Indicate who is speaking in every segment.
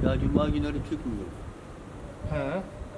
Speaker 1: Ya cuma günleri çıkmıyor.
Speaker 2: He.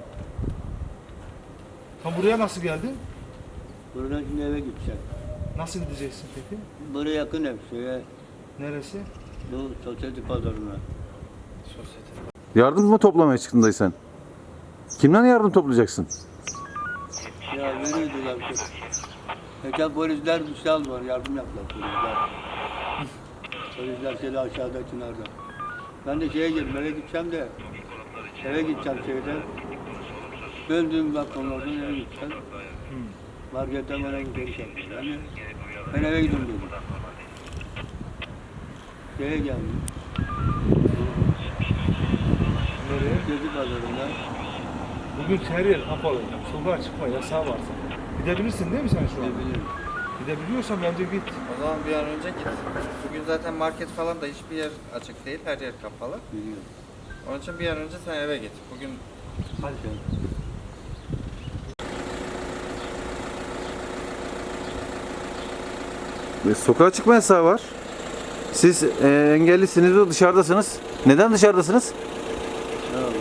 Speaker 2: Tam buraya nasıl geldin?
Speaker 1: Buradan şimdi eve gideceğim.
Speaker 2: Nasıl gideceksin peki?
Speaker 1: Buraya yakın ev şeye,
Speaker 2: Neresi?
Speaker 1: bu sosyete pazarına.
Speaker 3: Yardım mı toplamaya çıktın dayı sen? Kimden yardım toplayacaksın?
Speaker 1: Ya veriyordular ki. Geçen polisler bir şey aldılar, yardım yaptılar polisler. Polisler şeyde aşağıda Çınar'da. Ben de şeye girdim, eve gideceğim de. Eve gideceğim şeyden. Döndüğüm balkonlardan eve gideceğim. Marketten bana gidiyor şey. Yani ben eve gidiyorum dedim. Şeye geldim.
Speaker 2: Nereye?
Speaker 1: Gezi pazarında.
Speaker 2: Bugün her yer kapalı. Sokağa çıkma yasağı var. Gidebilirsin değil mi sen şu an?
Speaker 1: Gidebilirim.
Speaker 2: Gidebiliyorsan bence git.
Speaker 4: O zaman bir an önce git. Bugün zaten market falan da hiçbir yer açık değil. Her yer kapalı.
Speaker 1: Biliyorum.
Speaker 4: Onun için bir an önce sen eve git. Bugün
Speaker 1: Hadi sen.
Speaker 3: Sokağa çıkma yasağı var. Siz engellisiniz ve dışarıdasınız. Neden dışarıdasınız?
Speaker 1: Ne yapayım?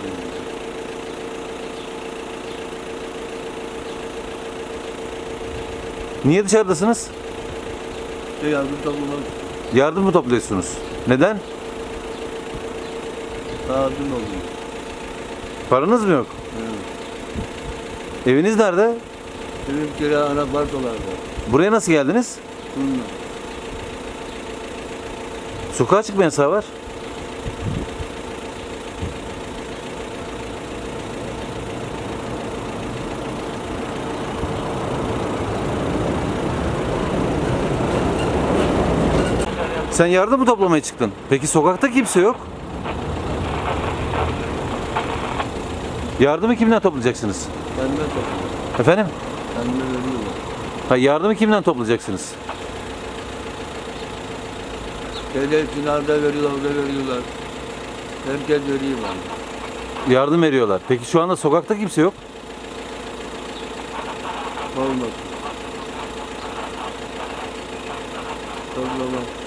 Speaker 3: Niye dışarıdasınız?
Speaker 1: Yardım toplamak
Speaker 3: Yardım mı topluyorsunuz? Neden?
Speaker 1: lazım oluyor.
Speaker 3: Paranız mı yok?
Speaker 1: Evet.
Speaker 3: Eviniz nerede?
Speaker 1: Benim kira anapartolarda.
Speaker 3: Buraya nasıl geldiniz?
Speaker 1: Bununla.
Speaker 3: Sokağa çıkma yasağı var. Sen yardım mı toplamaya çıktın? Peki sokakta kimse yok. Yardımı kimden toplayacaksınız?
Speaker 1: Kendime topluyor.
Speaker 3: Efendim?
Speaker 1: Kendime veriyorlar.
Speaker 3: Ha, yardımı kimden toplayacaksınız?
Speaker 1: Şeyde Çınar'da veriyorlar, orada veriyorlar. Herkes veriyor bana.
Speaker 3: Yardım veriyorlar. Peki şu anda sokakta kimse yok.
Speaker 1: Olmaz. Toplama.